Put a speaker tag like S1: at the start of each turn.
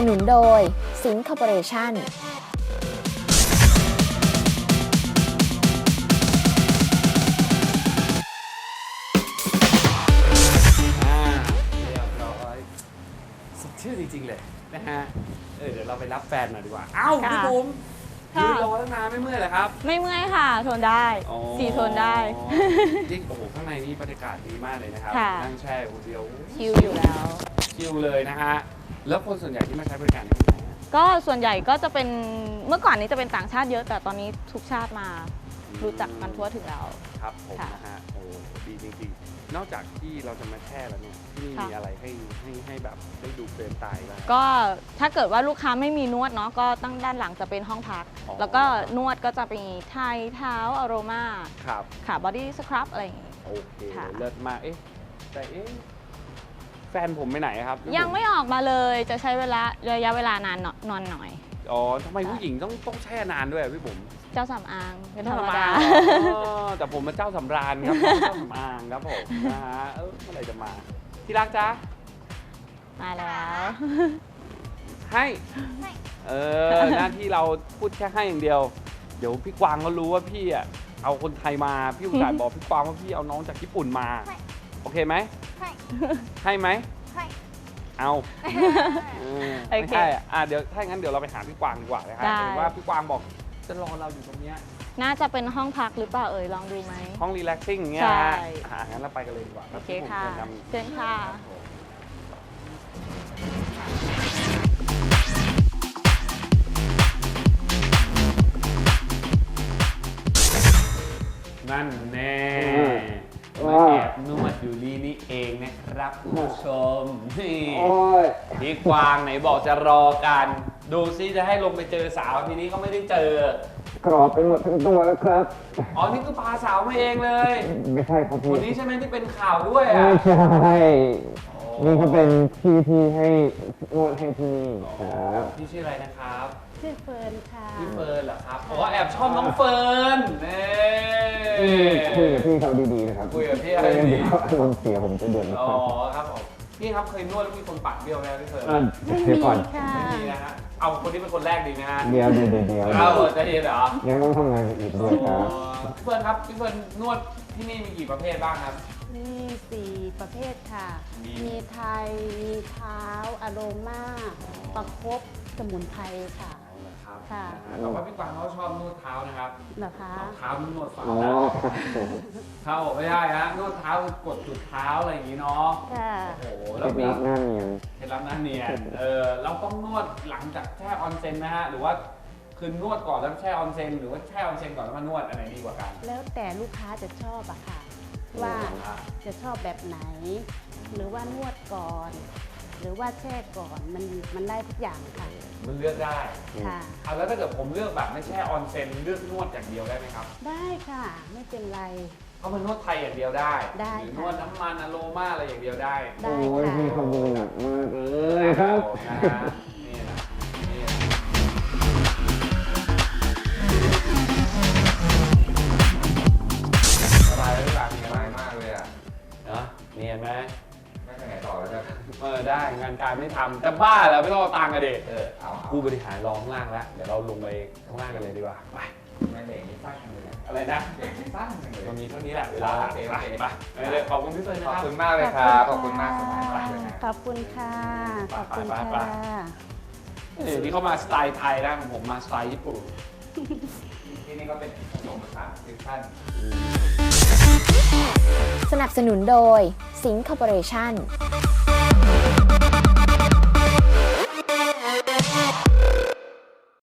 S1: นุนโดยสิงห์คอร์ปอเรชั่น
S2: เรียบร้อยสดชื่นจริงๆเลยนะฮะเดี๋ยวเราไปรับแฟนหน่อยดีกว่าอ้าวพี่บุ๋มยืนรอตั้งนานไม่เมื่อยเหรอครับ
S3: ไม่เมื่อยค่ะทนได้สีทนได้
S2: จริงโอ้โหข้างในนี่บรรยากาศดีมากเลยนะครับ
S3: ค่ะ
S2: นั่งแช่คนเดียว
S3: ชิลอยู่แล้ว
S2: ชิลเลยนะฮะแล้วคนส่วนใหญ่ที่มาใช้บริการที่ไหนฮะ
S3: ก็ส่วนใหญ่ก็จะเป็นเมื่อก่อนนี้จะเป็นต่างชาติเยอะแต่ตอนนี้ทุกชาติมารู้จักกันทั่วถึงแล้ว
S2: ครับผม
S3: ค่ะ
S2: นะฮะโอ้ดีจริงๆนอกจากที่เราจะมาแช่แล้วเนี่ยที่นี่
S3: ค่ะ
S2: มีอะไรให้แบบได้ดูเปลี่ยนตายบ้าง
S3: ก็ถ้าเกิดว่าลูกค้าไม่มีนวดเนาะก็ตั้งด้านหลังจะเป็นห้องพัก
S2: อ๋อ
S3: แล้วก็นวดก็จะมีไทยเท้าอโรมา
S2: ครับ
S3: ค่ะบอดี้สครับอะไรอย่างงี้
S2: โอเค
S3: ค่ะ
S2: เลิศมากแต่แฟนผมไปไหนครับ
S3: ยังไม่ออกมาเลยจะใช้ระยะเวลานานนอนหน่อย
S2: อ๋อทำไมผู้หญิงต้องแช่นานด้วยอะพี่บุ๋ม
S3: เจ้าสำอางเป็นธรรมดา
S2: อ๋อแต่ผมเป็นเจ้าสำราญครับ เจ้าสำอางครับผมนะฮะเมื่อไหร่จะมาที่รักจ๊ะ
S3: มาแล้ว
S2: ให้หน้าที่เราพูดแค่ให้อย่างเดียว เดี๋ยวพี่กวางเขารู้ว่าพี่อ่ะเอาคนไทยมาพี่อุตส่าห์บอกพี่กวางว่าพี่เอาน้องจากญี่ปุ่นมาโอเคไหมให้ไหมเอาไม่ใช่เดี๋ยวถ้างั้นเดี๋ยวเราไปหาพี่กวางดีกว่านะครับ
S3: ได้
S2: เห็นว่าพี่กวางบอกจะรอเราอยู่ตรงเนี้ย
S3: น่าจะเป็นห้องพักหรือเปล่าลองดูไหม
S2: ห้องรีแลกซิ่งอย่างเงี้ย
S3: ใช่
S2: งั้นเราไปกันเลยดีกว่า
S3: โอเคค่ะ
S2: รับพี่บุ๋ม
S3: เชิญค่ะ
S2: นั่นแน่มาแอบนวดอยู่นี่เองนะครับคุณผู้ชมนี่พี่กวางไหนบอกจะรอกัน ดูซิจะให้ลงไปเจอสาวทีนี้ก็ไม่ได้เจอ
S4: กรอบไปหมดทั้งตัวแล้วครับ
S2: อ๋อ นี่คือพาสาวมาเองเลย
S4: ไม่ใช่ครับพี่
S2: คนนี้ใช่ไหมที่เป็นข่าวด้วยอ่ะ
S4: ไม่ใช่ นี่ก็เป็นที่ให้นวดให้ที่นี่ครับ
S2: พี่ชื่ออะไรนะครับ
S5: ชื่อเฟิร์นค่ะ
S2: พี่เฟิร์นเหรอครับอ๋อแอบชอบน้องเฟิร์นเน่
S4: คุยกับพี่เขาดีๆนะครับ
S2: คุยกับพี่อะไรดี
S4: เดี๋ยวอารมณ์เสียผมจะเดือดร้
S2: อ๋อ
S4: อน
S2: ครับผมพี่ครับเคยนวดแล้วมีคนปากเบี้ยวไหมพี่เฟิร์น
S4: เดี๋ยวก่อน
S5: ค่ะ
S2: ไม่มีนะฮะเอาคนที่เป็นคนแรกดีไหมฮะ
S4: เดี๋ยว
S2: เอาจะเย็นเหรอ
S4: ยังต้องทำงานอีกด้วยครับ
S2: พี่เฟิร์นครับพี่เฟิร์นนวดที่นี่มีกี่ประเภทบ้างครับ
S5: มี4 ประเภทค่ะ
S2: มี
S5: มีไทย มีเท้าอโรมาประคบสมุนไพรค่ะ
S2: ครับ
S5: ค่ะ
S2: แต่ว่าพี่กวางเขาชอบนวดเท้านะครับ
S5: เหรอคะ
S2: เอาเท้านวดฝ่า
S4: อ๋อ
S2: นะครับ
S4: ผม
S2: เท้าบอกไม่ได้ฮะนวดเท้าคือกดจุดเท้าอะไรอย่างนี้เนาะ
S5: ค่ะ
S2: โอ้โห
S4: เค
S2: แล้
S4: ล็
S2: ว
S4: ด
S2: มี
S4: ลับหน้าเนียน
S2: เคล็ดลับหน้าเนียนเราต้องนวดหลังจากแช่ออนเซ็นนะฮะหรือว่าคือนวดก่อนแล้วแช่ออนเซ็นหรือว่าแช่ออนเซ็นก่อนแล้วมานวดอันไหนดีกว่ากัน
S5: แล้วแต่ลูกค้าจะชอบอะค่ะ ว่าจะชอบแบบไหน หรือว่านวดก่อน หรือว่าแช่ก่อนมันได้ทุกอย่างค่ะ
S2: มันเลือกได้
S5: ค่ะ
S2: เอาแล้วถ้าเกิดผมเลือกแบบไม่แช่ออนเซ็นเลือกนวดอย่างเดียวได้ไหมครับ
S5: ได้ค่ะ ไม่เป็นไร
S2: เอามานวดไทยอย่างเดียวได้
S5: ได้
S2: หรือ
S5: ค่ะ
S2: นวดน้ำมันอะโรมาอะไรอย่างเดียวได้
S5: ได้
S4: โอ้ย
S5: ค่ะ
S4: พี่เขามือหนักมากเลยครับ
S2: นะฮะนี่นะนี่นะสบายหรือเปล่ามี
S6: ส
S2: อะไร
S6: บายมากเลยอ่ะ
S2: เนาะเนียนไหม
S6: ไม่ไปไหนต่อแล้วจ้ะ
S2: ได้งานการไม่ทำแต่บ้าแล้วไม่ต้องเอาตังค์กันเด็
S6: เอา
S2: ผู้บริหารรอข้างล่างแล้ว เดี๋ยวเราลงไปข้างล่างกันเลยดีกว่า ไป
S6: ไม่เบรกนี่สั้นจังเลยนะ
S2: อะไรนะ
S6: เบรกนี่สั้นจังเลย
S2: มันมีเท่านี้แหละเวลา
S6: โอเค
S2: ไปไปเลยขอบคุณพี่เฟิร์นนะ
S6: ขอบ
S2: ครับ
S6: คุณมากเลยครับ ขอบคุณมากสบายมากเลยนะ
S5: ขอบคุณค่ะ ขอบคุณ
S2: ไป
S5: ค่ะ
S2: นี่เขามาสไตล์ไทยนะผมมาสไตล์ญี่ปุ่น
S6: ที่นี่ก็เป็นผสมผสานฟิวชั่น
S1: สนับสนุนโดยสิงห์คอร์ปอเรชั่น